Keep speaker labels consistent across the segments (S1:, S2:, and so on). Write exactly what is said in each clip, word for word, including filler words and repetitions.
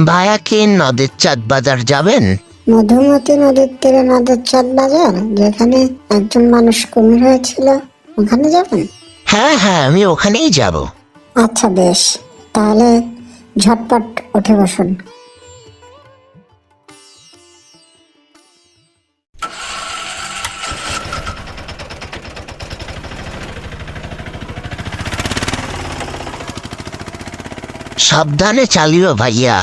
S1: ভাইয়া কি নদীর চাঁদ বাজার যাবেন?
S2: মধুমতি নদীর তীরে নদের চাঁদ বাজার, যেখানে একজন মানুষ কুমির হয়েছিল, ওখানে যাবেন?
S1: হ্যাঁ হ্যাঁ, আমি ওখানেই যাব।
S2: আচ্ছা বেশ, তাহলে ঝটপট উঠে বসুন।
S1: সাবধানে চালিও ভাইয়া।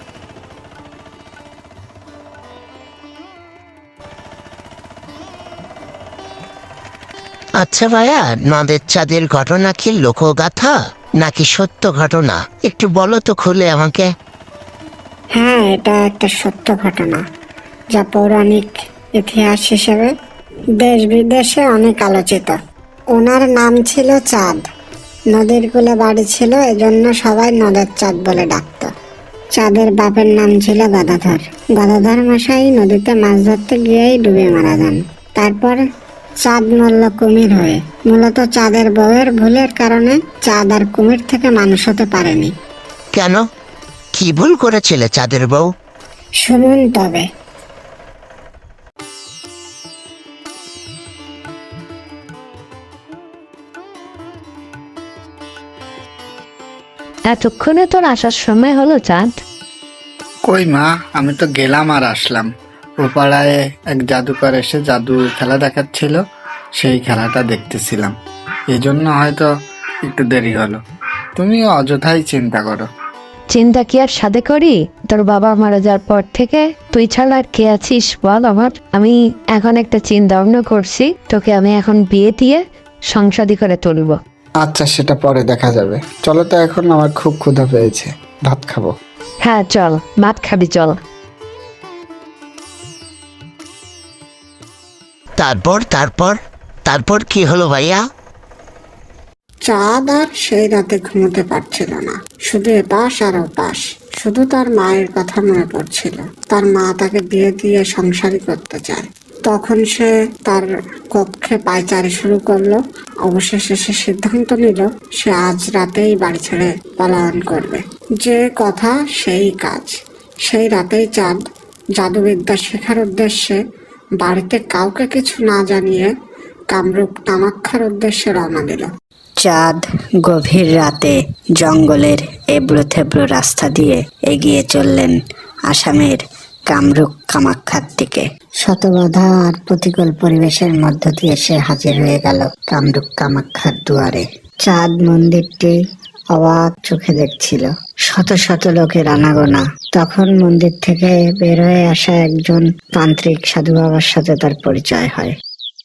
S1: আচ্ছা ভাইয়া, নদের চাঁদের ঘটনা কি লোকগাথা নাকি সত্য ঘটনা? একটু বলো তো খুলে আমাকে।
S2: হ্যাঁ, এটা একটা সত্য ঘটনা, যা পৌরাণিক ইতিহাস হিসেবে দেশ বিদেশে অনেক আলোচিত। ওনার নাম ছিল চাঁদ। নদীর কূলে বাড়ি ছিল, এজন্য সবাই নদের চাঁদ বলে ডাকত। চাঁদের বাপের নাম ছিল গদাধর। গদাধর মশাই নদীতে মাছ ধরতে গিয়েই ডুবে মারা যান। তারপর চাঁদ মরল কুমির হয়ে। মূলত চাঁদের বউয়ের ভুলের কারণে চাঁদ আর কুমির থেকে মানুষ হতে পারেনি।
S1: কেন? কি ভুল করেছিলে চাঁদের বউ?
S2: শুনুন তবে।
S3: এতক্ষণে তোর আসার সময় হলো চাঁদ?
S4: কই মা, আমি তো গেলাম আর আসলাম। ও পাড়ায় এক জাদুকর এসে জাদু খেলা দেখাচ্ছিল, সেই খেলাটা দেখতেছিলাম। এই জন্য হয়তো একটু দেরি হলো। তুমি অযথাই চিন্তা করো।
S3: চিন্তা কি আর সাথে করি? তোর বাবা মারা যাওয়ার পর থেকে তুই ছাড়া আর কে আছিস বল আমার? আমি এখন একটা চিন্তা ভাবনা করছি, তোকে আমি এখন বিয়ে দিয়ে সংসারী করে তুলব।
S4: আচ্ছা, সেটা পরে দেখা যাবে। চলো তো, এখন আমার খুব ক্ষুধা পেয়েছে, ভাত খাবো।
S3: হ্যাঁ চল, ভাত খাবি চল।
S1: তারপর তারপর তারপর কি হলো ভাইয়া?
S2: চাঁদ আর সেই রাতে ঘুমোতে পারছিল না, শুধু এপাশ আর ওপাশ। শুধু তার মায়ের কথা মনে পড়ছিল। তার মা তাকে বিয়ে দিয়ে সংসারী করতে চায়। তখন সে তার কক্ষে পায়চারি শুরু করলো। অবশেষে সে সিদ্ধান্ত নিল সে আজ রাতেই বাড়ি ছেড়ে পলায়ন করবে। যে কথা সেই কাজ। সেই রাতেই চাঁদ জাদুবিদ্যা শেখার উদ্দেশ্যে বাড়িতে কাউকে কিছু না জানিয়ে কামরূপ কামাক্ষার উদ্দেশ্যে রওনা দিল। চাঁদ গভীর রাতে জঙ্গলের এবড়ো থেবড়ো রাস্তা দিয়ে এগিয়ে চললেন আসামের কামরূপ কামাক্ষার দিকে। শতবাধা আর প্রতিকূল পরিবেশের মধ্য দিয়ে সে হাজির হয়ে গেল কামরূপ কামাক্ষার দুয়ারে। চাঁদ মন্দিরটি অবাক চোখে দেখছিল। শত শত লোকের আনাগোনা। তখন মন্দির থেকে বের হয়ে আসা একজন তান্ত্রিক সাধু বাবার সাথে তার পরিচয় হয়।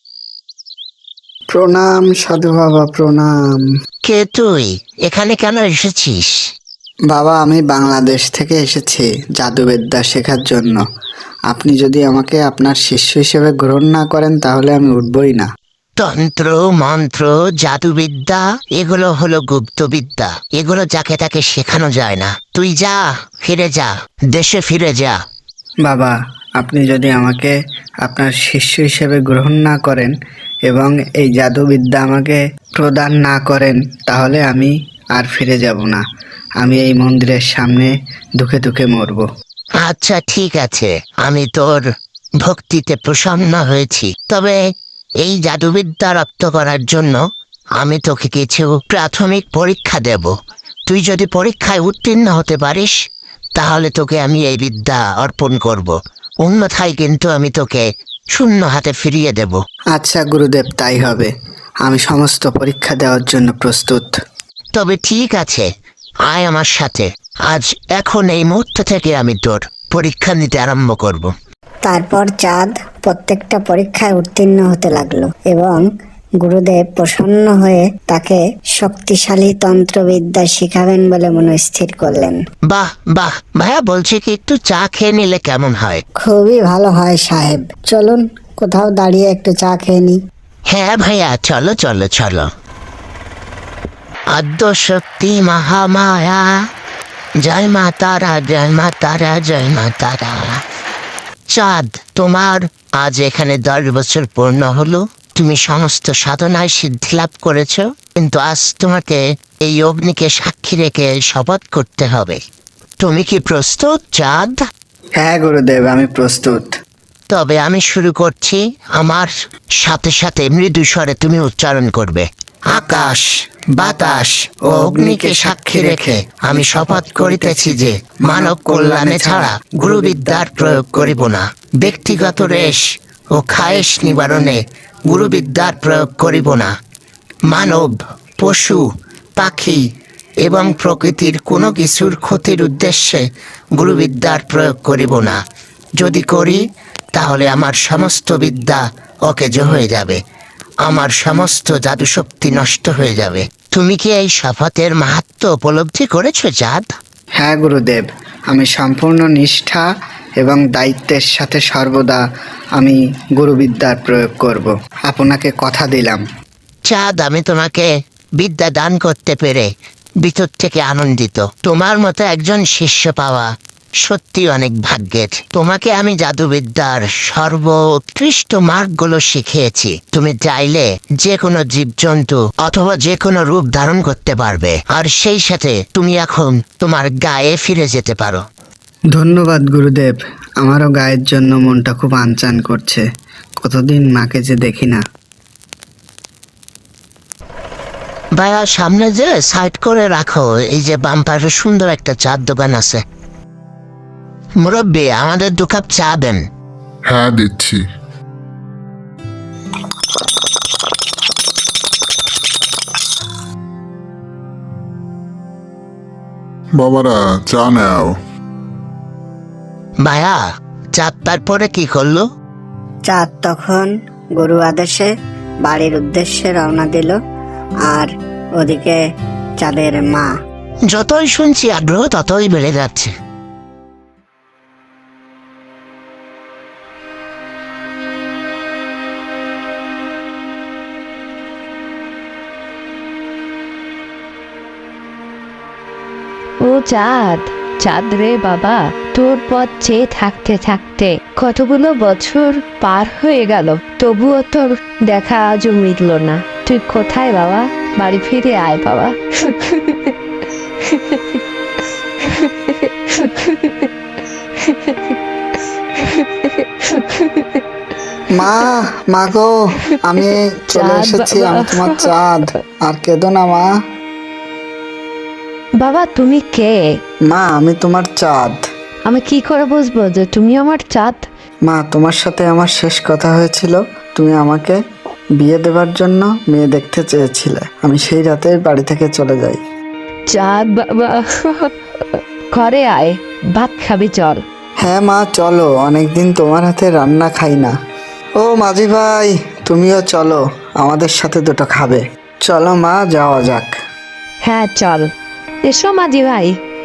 S4: প্রণাম সাধু বাবা, প্রণাম।
S1: কে তুই? এখানে কেন এসেছিস?
S4: বাবা, আমি বাংলাদেশ থেকে এসেছি জাদুবিদ্যা শেখার জন্য। আপনি যদি আমাকে আপনার শিষ্য হিসেবে গ্রহণ না করেন তাহলে আমি উঠবই না।
S1: তন্ত্র মন্ত্র জাদুবিদ্যা এগুলো হলো গুপ্তবিদ্যা। এগুলো যাকে তাকে শেখানো যায় না। তুই যা, ফিরে যা, দেশে ফিরে যা।
S4: বাবা, আপনি যদি আমাকে আপনার শিষ্য হিসেবে গ্রহণ না করেন এবং এই জাদুবিদ্যা আমাকে প্রদান না করেন তাহলে আমি আর ফিরে যাব না। আমি এই মন্দিরের সামনে দুঃখে দুঃখে মরব।
S1: আচ্ছা ঠিক আছে, আমি তোর ভক্তিতে প্রসন্ন হয়েছি। তবে এই জাদুবিদ্যা রপ্ত করার জন্য আমি তোকে কিছু প্রাথমিক পরীক্ষা দেব। তুই যদি পরীক্ষায় উত্তীর্ণ হতে পারিস তাহলে তোকে আমি এই বিদ্যা অর্পণ করব। অন্যথায় কিন্তু আমি তোকে শূন্য হাতে ফিরিয়ে দেব।
S4: আচ্ছা গুরুদেব, তাই হবে। আমি সমস্ত পরীক্ষা দেওয়ার জন্য প্রস্তুত।
S1: তবে ঠিক আছে, আয় আমার সাথে। আজ এখন এই মুহূর্ত থেকে আমি তোর পরীক্ষা নিতে আরম্ভ করব।
S2: তারপর চাঁদ প্রত্যেকটা পরীক্ষায় উত্তীর্ণ হতে লাগলো এবং গুরুদেব প্রসন্ন হয়ে তাকে শক্তিশালী তন্ত্রবিদ্যা শিখাবেন বলে মনস্থির করলেন।
S1: বাহ বাহ ভাইয়া, বলছি কি একটু চা খেয়ে নিলে কেমন হয়?
S2: খুবই ভালো হয় সাহেব। চলুন কোথাও দাঁড়িয়ে একটু চা খেয়ে নি।
S1: হ্যাঁ ভাইয়া, চলো চলো চলো। আদ্য শক্তি মহামায়া, জয় মা তারা, জয় মা তারা, জয় মা তারা। চাঁদ, তোমার আজ এখানে দশ বছর পূর্ণ হলো। তুমি সমস্ত সাধনায় সিদ্ধি লাভ করেছ, কিন্তু আজ তোমাকে এই অগ্নিকে সাক্ষী রেখে শপথ করতে হবে তুমি কি প্রস্তুত চাঁদ?
S4: হ্যাঁ গুরুদেব, আমি প্রস্তুত।
S1: তবে আমি শুরু করছি। আমার সাথে সাথে মৃদু স্বরে তুমি উচ্চারণ করবে। আকাশ, বাতাস ও অগ্নিকে সাক্ষী রেখে আমি শপথ করিতেছি যে মানব কল্যাণে ছাড়া গুরুবিদ্যার প্রয়োগ করিব না। ব্যক্তিগত রেশ ও খায়েশ নিবারণে গুরুবিদ্যার প্রয়োগ করিব না। মানব, পশু, পাখি এবং প্রকৃতির কোনো কিছুর ক্ষতির উদ্দেশ্যে গুরুবিদ্যার প্রয়োগ করিব না। যদি করি তাহলে আমার সমস্ত বিদ্যা অকেজ হয়ে যাবে, আমার সমস্ত জাদুশক্তি নষ্ট হয়ে যাবে। তুমি কি এই শপথের মাহাত্ম্য উপলব্ধি করেছো চাঁদ?
S4: হ্যাঁ গুরুদেব, আমি সম্পূর্ণ নিষ্ঠা এবং দায়িত্বের সাথে সর্বদা আমি গুরুবিদ্যার প্রয়োগ করব। আপনাকে কথা দিলাম।
S1: চাঁদ, আমি তোমাকে বিদ্যা দান করতে পেরে ভিতর থেকে আনন্দিত। তোমার মতো একজন শিষ্য পাওয়া সত্যি অনেক ভাগ্যের। তোমাকে আমি জাদুবিদ্যার সর্বোৎকৃষ্ট মার্গগুলো শিখিয়েছি। তুমি চাইলে যে কোনো জীবজন্তু অথবা যে কোনো রূপ ধারণ করতে পারবে, আর সেই সাথে তুমি এখন তোমার গায়ে ফিরে যেতে পারো।
S4: ধন্যবাদ গুরুদেব, আমারও গায়ের জন্য মনটা খুব আনচান করছে। কতদিন মাকে যে দেখি না।
S1: ভাইয়া, সামনে যে সাইড করে রাখো, এই যে বাম পাশে সুন্দর একটা চার দোকান আছে। মুরব্বী, আমাদের দু কাপ চা দেন।
S5: হ্যাঁ দিচ্ছি। বাবারা চা নাও।
S1: ভাইয়া, চার তারপরে কি করলো?
S2: চাঁদ তখন গরু আদেশে বাড়ির উদ্দেশ্যে রওনা দিল, আর ওদিকে চাঁদের মা।
S1: যতই শুনছি আগ্রহ ততই বেড়ে যাচ্ছে।
S3: ও চাঁদ, চাঁদ রে বাবা, তোর পথ চেয়ে থাকতে থাকতে কতগুলো বছর পার হয়ে গেল, তবুও তোর দেখা আজও মিটল না। তুই কোথায় বাবা? বাড়ি ফিরে আয় বাবা।
S4: মা, মা গো, আমি চলে
S3: চাঁদ
S4: এসেছি।
S3: বাবা।
S4: আমি তোমার চাঁদ। আর কেঁদো না মা।
S3: বাবা, তুমি কে?
S4: মা, আমি তোমার চাঁদ।
S3: আমি কি করে বুঝবো যে তুমি আমার চাঁদ?
S4: মা, তোমার সাথে আমার শেষ কথা হয়েছিল। তুমি আমাকে বিয়ে দেবার জন্য মেয়ে দেখতে চেয়েছিলে। আমি সেই রাতে বাড়ি থেকে চলে যাই।
S3: চাঁদ বাবা, ঘরে আয়, ভাত খাবি চল।
S4: হ্যাঁ মা, চলো, অনেকদিন তোমার হাতে রান্না খাই না। ও মাঝি ভাই, তুমিও চলো, আমাদের সাথে দুটো খাবে। চলো মা, যাওয়া যাক।
S3: হ্যাঁ চল। এসো মাঝি ভাই,